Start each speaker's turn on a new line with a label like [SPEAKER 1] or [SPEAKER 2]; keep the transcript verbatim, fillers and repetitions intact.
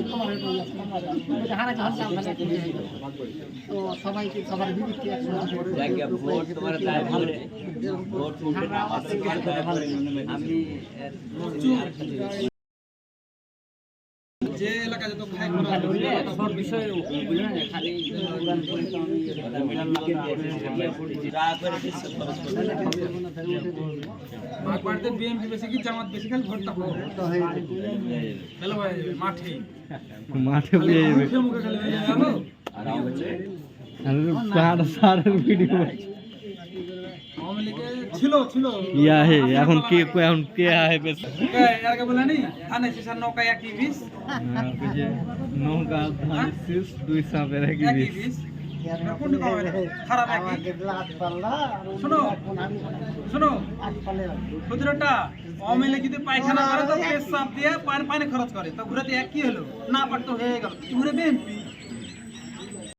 [SPEAKER 1] তো সবাইকে সবার বিরুদ্ধে
[SPEAKER 2] আমি যে এলাকা যত খাই সব বিষয়ে খালি বাড়িতে বিএনপি বেশি কি জামাত বেশি খালি ভোটটা হ্যালো ভাই মাঠে
[SPEAKER 3] মাঠে পেয়ে যাবে
[SPEAKER 2] মুখে মুখে খালি হয়ে যাবো
[SPEAKER 3] আর সারের ভিডিও
[SPEAKER 2] আওয়ামী লীগে ছিল ছিল
[SPEAKER 3] ইয়া হে এখন কে এখন কে আহে বেশ
[SPEAKER 2] এর বলে নি ধানে শিশার নৌকা একই বিশ
[SPEAKER 3] নৌকা ধান শীষ দুই সাপের একই
[SPEAKER 2] একই
[SPEAKER 3] বিষ
[SPEAKER 2] বিশ কোনটা কম হয় খারাপ একই শোনো শোনো প্রতিটা আওয়ামী লীগ যদি পায়খানা করে তো পেশাব দিয়ে পানি পানি খরচ করে তো ঘুরাতে একই হলো না পারতো হয়ে গেল ঘুরে বিএনপি